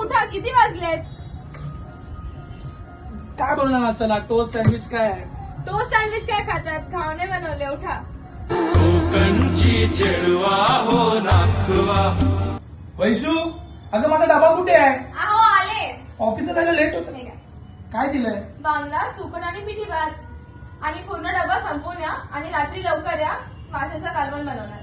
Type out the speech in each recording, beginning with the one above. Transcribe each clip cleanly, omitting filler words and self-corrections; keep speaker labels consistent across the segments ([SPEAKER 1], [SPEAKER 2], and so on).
[SPEAKER 1] उठा, किती वाजलेत?
[SPEAKER 2] काय बोलणार? चला टोस्ट सँडविच काय आहे?
[SPEAKER 1] टोस्ट सँडविच काय खातात? घावणे बनवले, उठा.
[SPEAKER 2] वैशू, अगं माझा डबा कुठे आहे?
[SPEAKER 1] अहो आले.
[SPEAKER 2] ऑफिसला जायला लेट होत.
[SPEAKER 1] हे घ्या.
[SPEAKER 2] काय दिलंय?
[SPEAKER 1] बांगडा, सुकट आणि पिठी भात आणि पूर्ण डबा संपवून या आणि रात्री लवकर या. माशाचं कालवण बनवणार.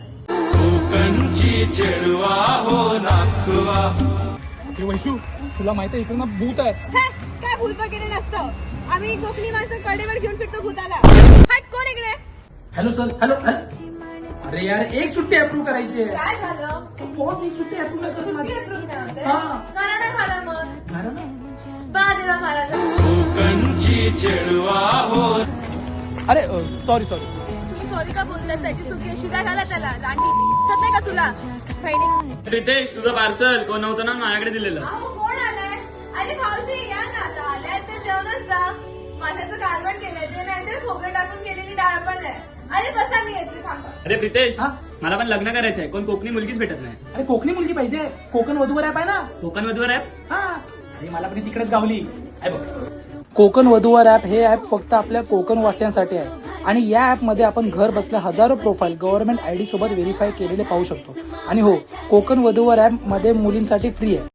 [SPEAKER 2] वैशू, तुला माहिती आहे इकडे ना भूत आहे.
[SPEAKER 1] हे, काय भूत वगैरे नसतं. आम्ही कोकणी माणसं कडेवर घेऊन फिरतो भूताला. हट, कोण इकडे?
[SPEAKER 2] Hello sir, hello hello. अरे यार, एक सुट्टी अप्रूव्ह करायची आहे.
[SPEAKER 1] काय झालं?
[SPEAKER 2] बॉस एक सुट्टी अप्रूव्ह करतो
[SPEAKER 1] कुस्ती
[SPEAKER 2] माझी.
[SPEAKER 1] approve नाही होते?
[SPEAKER 2] हा.
[SPEAKER 1] करा ना खाला मग.
[SPEAKER 2] कारण ना.
[SPEAKER 1] बा देवा महाराज.
[SPEAKER 2] अरे सॉरी सॉरी.
[SPEAKER 1] तुम्ही सॉरी का बोलतात? त्याची चुकी आहे. शिव्या घाला त्याला. रांगी दिसत नाही का तुला? बहिणी.
[SPEAKER 3] रितेश, तुझं पार्सल कोण नव्हतं ना माझ्याकडे दिलेलं.
[SPEAKER 1] अहो कोण आलाय? अरे मावशी या ना आता. आल्यात तर जेवणच जा. माझ्याचं कालवण केलंय ते, नाही तर खोबरं टाकून केलेली डाळ पण आहे. अरे बसा, मी येते, थांबा.
[SPEAKER 3] अरे प्रितेश,
[SPEAKER 2] हा?
[SPEAKER 3] मला पण लग्न करायचंय. कोण कोकणी मुलगीच भेटत नाही.
[SPEAKER 2] अरे कोकणी मुलगी पाहिजे. कोकण वधूवर ऍप आहे ना.
[SPEAKER 3] कोकण वधूवर आहे.
[SPEAKER 2] हा. अरे मला पण तिकडेच गावली. आहे बघ. कोकण वधूवर ऍप हे ऍप फक्त आपल्या कोकण वासियांसाठी आहे आणि या ऍप मध्ये आपण घर बसल्या हजारो प्रोफाईल गव्हर्नमेंट आयडी सोबत व्हेरीफाय केलेले पाहू शकतो. आणि हो, कोकण वधूवर ऍप मध्ये मुलींसाठी फ्री आहे.